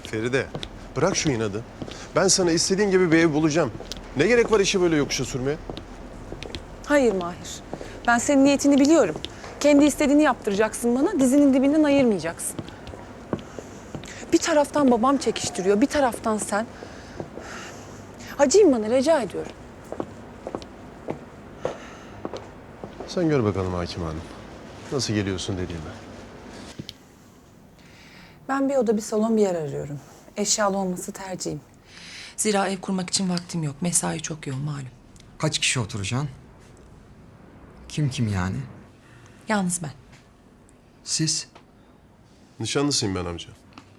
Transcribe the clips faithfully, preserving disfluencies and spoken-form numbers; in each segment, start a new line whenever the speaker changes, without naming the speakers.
Feride, bırak şu inadı. Ben sana istediğin gibi bir ev bulacağım. Ne gerek var işi böyle yokuşa sürmeye?
Hayır Mahir. Ben senin niyetini biliyorum. Kendi istediğini yaptıracaksın bana, dizinin dibinden ayırmayacaksın. Bir taraftan babam çekiştiriyor, bir taraftan sen. Acıyım bana, rica ediyorum.
Sen gör bakalım Hakim Hanım. Nasıl geliyorsun dediğime.
Ben bir oda, bir salon, bir yer arıyorum. Eşyalı olması tercihim.
Zira ev kurmak için vaktim yok. Mesai çok yoğun malum.
Kaç kişi oturacaksın? Kim kim yani?
Yalnız ben.
Siz?
Nişanlısıyım ben amca.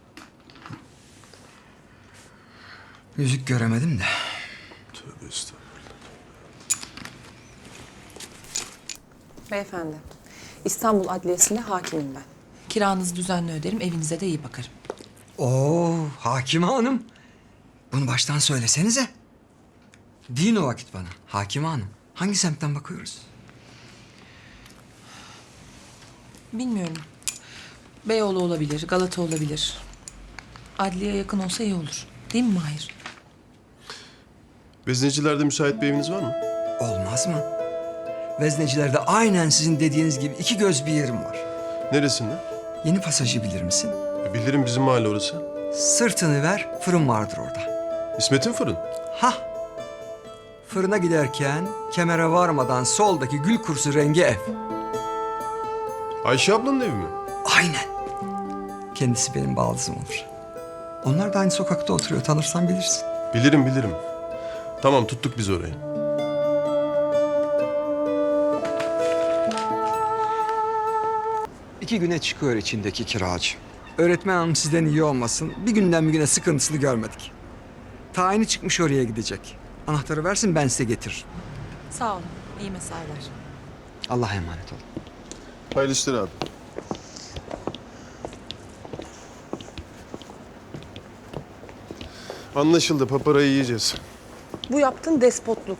Yüzük göremedim de.
Tövbe estağfurullah.
Beyefendi, İstanbul Adliyesi'nde hakimim ben.
Kiranızı düzenli öderim, evinize de iyi bakarım.
Oo, Hakime Hanım. Bunu baştan söylesenize. Deyin o vakit bana. Hakime Hanım. Hangi semtten bakıyoruz?
Bilmiyorum. Beyoğlu olabilir, Galata olabilir. Adliye yakın olsa iyi olur. Değil mi Mahir?
Veznecilerde müsait bir eviniz var mı?
Olmaz mı? Veznecilerde aynen sizin dediğiniz gibi iki göz bir yerim var.
Neresinde?
Yeni pasajı bilir misin?
E, bilirim bizim mahalle orası.
Sırtını ver, fırın vardır orada.
İsmet'in fırın.
Hah! Fırına giderken kemere varmadan soldaki gül kursu rengi ev.
Ayşe ablanın evi mi?
Aynen. Kendisi benim baldızım olur. Onlar da aynı sokakta oturuyor. Tanırsan bilirsin.
Bilirim bilirim. Tamam tuttuk biz orayı.
İki güne çıkıyor içindeki kiracı. Öğretmen hanım sizden iyi olmasın. Bir günden bir güne sıkıntısını görmedik. Tayini çıkmış oraya gidecek. Anahtarı versin ben size getiririm.
Sağ olun. İyi mesailer.
Allah'a emanet olun.
Hayırlı işler abi. Anlaşıldı. Paparayı yiyeceğiz.
Bu yaptığın despotluk.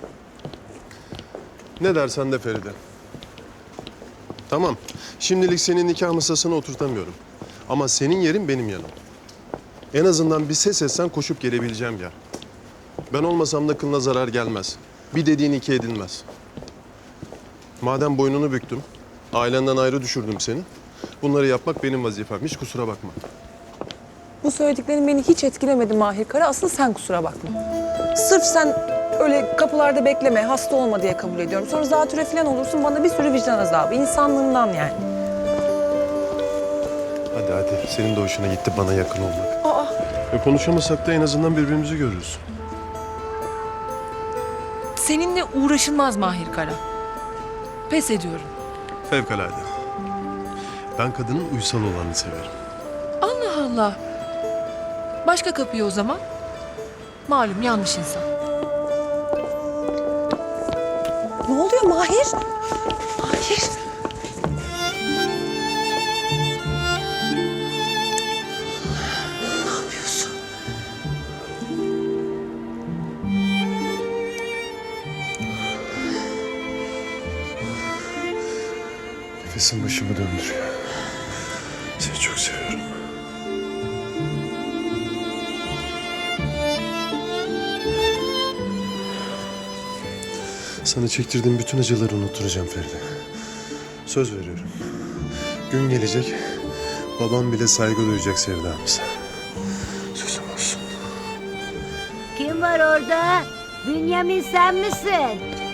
Ne dersen de Feride. Tamam. Şimdilik senin nikah masasına oturtamıyorum. Ama senin yerin benim yanım. En azından bir ses etsen koşup gelebileceğim yer. Ben olmasam da kılına zarar gelmez. Bir dediğin iki edilmez. Madem boynunu büktüm, ailenden ayrı düşürdüm seni. Bunları yapmak benim vazifem. Hiç kusura bakma.
Bu söylediklerin beni hiç etkilemedi Mahir Kara. Asıl sen kusura bakma. Sırf sen öyle kapılarda bekleme, hasta olma diye kabul ediyorum. Sonra zatüre falan olursun, bana bir sürü vicdan azabı. İnsanlığından yani.
Hadi hadi. Senin de hoşuna gitti bana yakın olmak.
Aa,
E, konuşamasak da en azından birbirimizi görürüz.
Seninle uğraşılmaz Mahir Kara. Pes ediyorum.
Fevkalade. Ben kadının uysal olanı severim.
Allah Allah. Başka kapıyı o zaman. Malum yanlış insan.
ne oluyor Mahir? Mahir. Ne yapıyorsun?
Nefesim başımı döndürüyor. Seni çok seviyorum. Sana çektirdiğim bütün acıları unutturacağım Feride. Söz veriyorum. Gün gelecek, babam bile saygı duyacak sevdamıza. Sözüm olsun.
Kim var orada? Bünyamin sen misin?